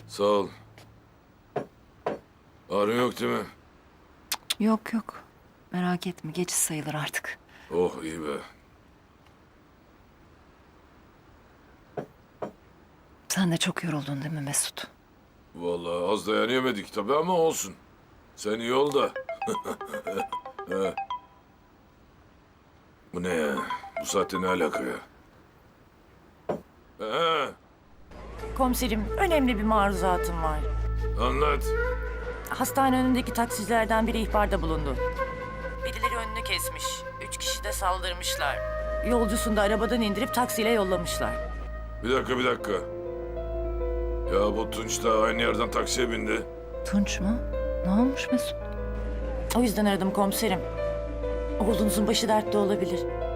Sağ ol. Ağrın yok değil mi? Yok yok. Merak etme, geçiş sayılır artık. Oh iyi be. Sen de çok yoruldun değil mi Mesut? Vallahi az dayanamadık tabii ama olsun. Sen iyi ol da. He. Bu ne ya? Bu saatte ne alaka ya? He, Komiserim, önemli bir maruzatım var. anlat. Hastane önündeki taksicilerden biri ihbarda bulundu. Birileri önünü kesmiş. 3 kişi de saldırmışlar. Yolcusunu da arabadan indirip taksiyle yollamışlar. Bir dakika. Ya bu Tunç da aynı yerden taksiye bindi. Tunç mu? Ne olmuş Mesut? O yüzden aradım komiserim. Oğlunuzun başı dertte olabilir.